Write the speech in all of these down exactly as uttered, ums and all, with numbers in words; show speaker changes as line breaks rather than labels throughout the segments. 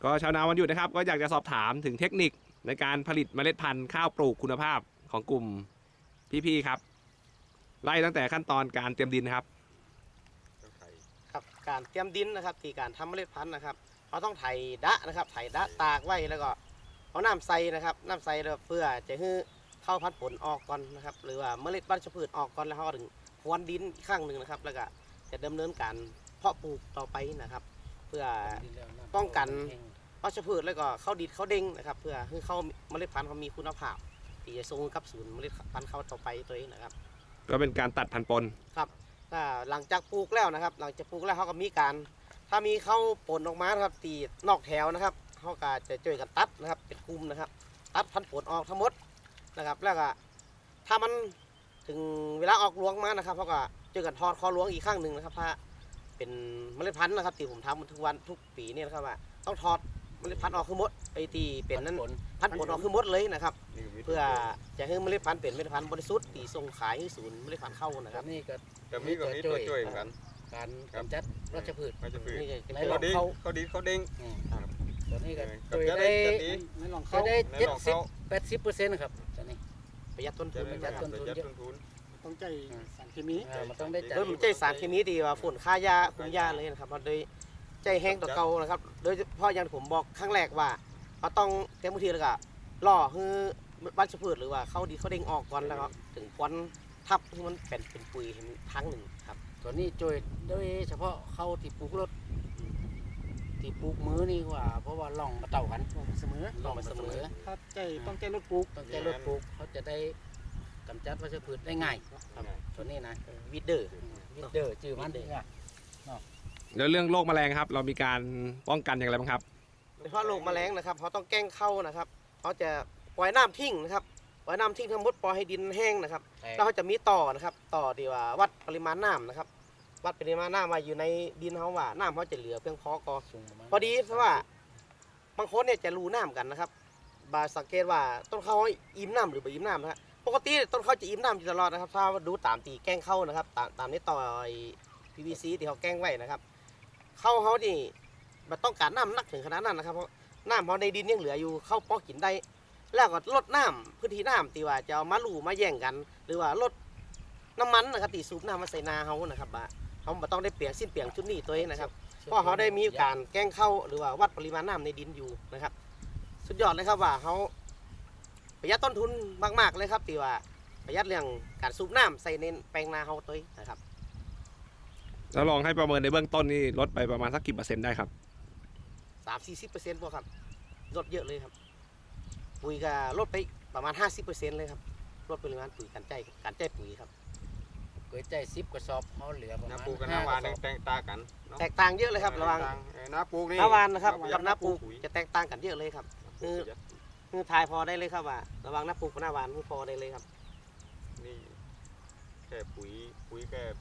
ก็ชาวนาวันหยุดนะครับก็อยากจะสอบถามถึงเทคนิคในการผลิตเมล็ดพันธุ์ข้าวปลูกคุณภาพของกลุ่มพี่ๆครับไล่ตั้งแต่ขั้นตอนการเตรียมดินครับ
ครับการเตรียมดินนะครับที่การทำเมล็ดพันธุ์นะครับเราต้องไถดะนะครับไถดะตากไว้แล้วก็เอาน้ำใส่นะครับน้ำใส่เพื่อจะให้เข้าพันธุ์ผลออกก่อนนะครับหรือว่าเมล็ดวัชพืชออกก่อนแล้วเขาถึงพรวนดินอีกครั้งหนึ่งนะครับแล้วก็จะดำเนินการเพาะปลูกต่อไปนะครับเพื่อป้องกันวัชพืชแล้วก็เข้าดินเข้าเด้งนะครับเพื่อให้เข้าเมล็ดพันธุ์เขามีคุณภาพที่จะส่งกับศูนย์เมล็ดพันธุ์เขาต่อไปตัวเองนะครับ
ก็เป็นการตัดพันธุ์ปน
ครับหลังจากปลูกแล้วนะครับหลังจากปลูกแล้วเขาก็มีการถ้ามีเข้าผลออกมาครับตีนอกแถวนะครับเขาก็จะช่วยกันตัดนะครับเป็นกลุ่มนะครับตัดพันธุ์ผลออกทั้งหมดนะครับแล้วก็ถ้ามันถึงเวลาออกรวงมานะครับเขาก็ช่วยกันทอดคอรวงอีกข้างหนึ่งนะครับถ้าเป็นเมล็ดพันธุ์นะครับที่ผมทำทุกวันทุกปีเนี่ยนะครับว่าต้องทอดเมล็ดพันธุ์ออกคือหมดไอ้ที่เป็นนั้นพันธุ์ผลออกคือหมดเลยนะครับเพื่อจะให้เมล็ดพันธุ์เป็นเมล็ดพันธุ์บริสุทธิ์ที่ส่งขายให้ศูนย์เมล็ดพันธุ์เข้านะครับ
นี่ก็
แต่มีก็มีตัวช่วยเหมือนกัน
การกำจัดวัชพืช
วัชพืช
ในหลอดเขา
เขาดีเขาเด้ง
ตัวนี้ก็ช่วยได้ในหลอดเขาได้เจ็ดสิบแปดสิบเปอร์เซ็นต์นะครับตัวนี้
ประหยัดต้นทุน
ประหยัดต้นทุนเยอะ
ต้องใจสารเคมี
มันต้องได้ใจ
โดยใจสารเคมีดีว่าฝุ่นฆ่ายาคุมยาเลยนะครับโดยใจแห้งต่อเก่านะครับโดยเฉพาะอย่างผมบอกครั้งแรกว่าเราต้องเต็มที่แล้วก็ล่อให้วัชพืชหรือว่าเขาดีเขาเด้งออกก่อนแล้วก็ถึงควันทับที่มันเป็นเป็นปุ๋ยเห็นทั้งหนึ่งครับ
ตัวนี้ช่วยโดยเฉพาะเขาที่ปลูกรถที่ปลูกมือนี่ว่าเพราะว่าล่องมาเต่ากัน
ล่องเสมอ
ล่องมาเสมอ
ถ้าใจต้องใจรถปลูก
ต้องใจรถปลูกเขาจะได้กำจัดวัชพืชได้ง่ายตัวนี้นะ
วิดเดอร์
วิดเดอร์จื่อมัน
แล้วเรื่องโรคแมลงครับเรามีการป้องกันอย่างไรบ้างครับ
โดยเฉพาะโรคแมลงนะครับเขาต้องแกล้งเข้านะครับเขาจะปล่อยน้ำทิ้งนะครับปล่อยน้ำทิ้งทั้งหมดปล่อยให้ดินแห้งนะครับแล้วเขาจะมีต่อนะครับต่อดีว่าวัดปริมาณน้ำนะครับวัดปริมาณน้ำมาอยู่ในดินเขาว่าน้ำเขาจะเหลือเพียงพอก็พอดีเพราะว่าบางคนเนี่ยจะรู้น้ำกันนะครับบาสังเกตว่าต้นเขาอิ่มน้ำหรือไม่อิ่มน้ำนะครับปกติต้นเขาจะอิ่มน้ำอยู่ตลอดนะครับถ้าดูตามตีแกล้งเข้านะครับตามตามนี้ต่อ พี วี ซี ที่เขาแกล้งไว้นะครับเข้าเขานี่มันต้องการน้ำนักถึงขนาดนั้นนะครับเพราะน้ำเขาในดินยังเหลืออยู่เข้าปอกกินได้แล้วก็ลดน้ำพื้นที่น้ำตีว่าจะเอามาลู่มาแย่งกันหรือว่าลดน้ำมันนะครับตีสูบน้ำมาใส่นาเขานะครับว่าเขาไม่ต้องได้เปลี่ยนสิ้นเปลี่ยนชุดนี้ตัวเองนะครับเพราะเขาได้มีการแกล้งเข้าหรือว่าวัดปริมาณน้ำในดินอยู่นะครับสุดยอดเลยครับว่าเขาประหยัดต้นทุนมากๆเลยครับตีว่าประหยัดเรื่องการสูบน้ำใส่ในแปลงนาเขาตัวเองนะครับ
แล้วลองให้ประเมินในเบื้องต้นนี่ลดไปประมาณสักกี่เปอร์เซ็นต์ได้ครับ
สามสี่สิบเปอร์เซ็นต์พวกครับลดเยอะเลยครับปุ๋ยก็ลดไปประมาณห้าสิบเปอร์เซ็นต์เลยครับลดปริมาณปุ๋ยการใจการใจปุ๋ยครับ
ก๋วยใจซิบกระสอบเขาเหลือประมาณ
น้าปูกับน้าวานแตกต่างกัน
แตกต่างเยอะเลยครับระวัง
น้าปูนี่
น้าวานนะครับกับน้าปูจะแตกต่างกันเยอะเลยครับคือคือทายพอได้เลยครับว่าระวังน้าปูกับน้าวานคือพอได้เลยครับ
นี่แค่ปุ๋ยปุ๋ยแค่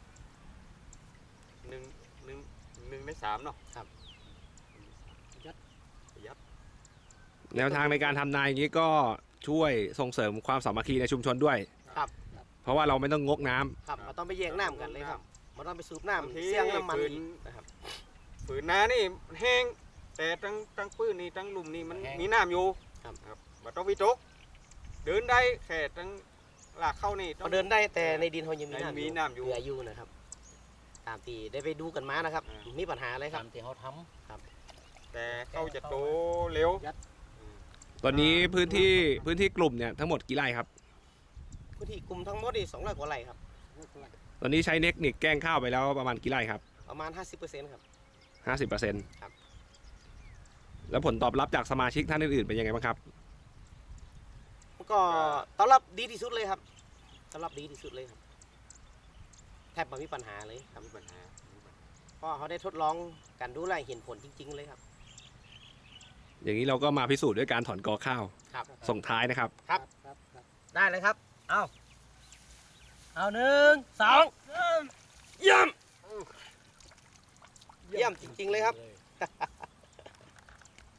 หนึ่งหนึ่งหนึ่งในสามเนาะ
ครับ
ยัดยัด
แนวทางในการทำนาอย่างนี้ก็ช่วยส่งเสริมความสามัคคีในชุมชนด้วย
ครับ
เพราะว่าเราไม่ต้องงกน้
ำครับเราต้องไปแย่งน้ำกันเลยครับเราต้องไปสูบน้ำเสี่ยงน้ำมันนะครับ
ฝืนน้านี่แห้งแต่ตั้งตั้งปื้นนี่ตั้งลุ่มนี่มันมีน้ำอยู่
ครับ
ครับเราต้องวิจกเดินได้แค่ตั้งหลักเข้านี่
เขาเดินได้แต่ในดินเขายังมีน้ำ
มีน้ำอยู่
เหลืออยู่นะครับตามที่ได้ไปดูกันมานะครับมีปัญหาอะไรครับ
ตามที่เขาทำ
ครับ
แต่เขาจะโตเร็ว
ตอนนี้พื้นที่พื้นที่กลุ่มเนี่ยทั้งหมดกี่ไร่ครับ
พื้นที่กลุ่มทั้งหมดนี่สองร้อยกว่าไร่ครับ
ตอนนี้ใช้เทคนิคแกล้งข้าวไปแล้วประมาณกี่ไร่ครับ
ประมาณห้าสิบเปอร์เซ็นต์ครับ
ห้าสิบเปอร์เซ็นต์
ครับ
แล้วผลตอบรับจากสมาชิกท่านอื่นๆเป็นยังไงบ้างครับ
ก็ตอบรับดีที่สุดเลยครับตอบรับดีที่สุดเลยครับแทบไม่มีปัญหาเลยครับมีปัญหาเพราะเขาได้ทดลองการดูแลเห็นผลจริงๆเลยครับ
อย่างนี้เราก็มาพิสูจน์ด้วยการถอนกอข้าวส่งท้ายนะครับ
ครับได้เลยครับเอาเอาหนึ่งสองเยี่ยมเยี่ยมจริงๆเลยครับ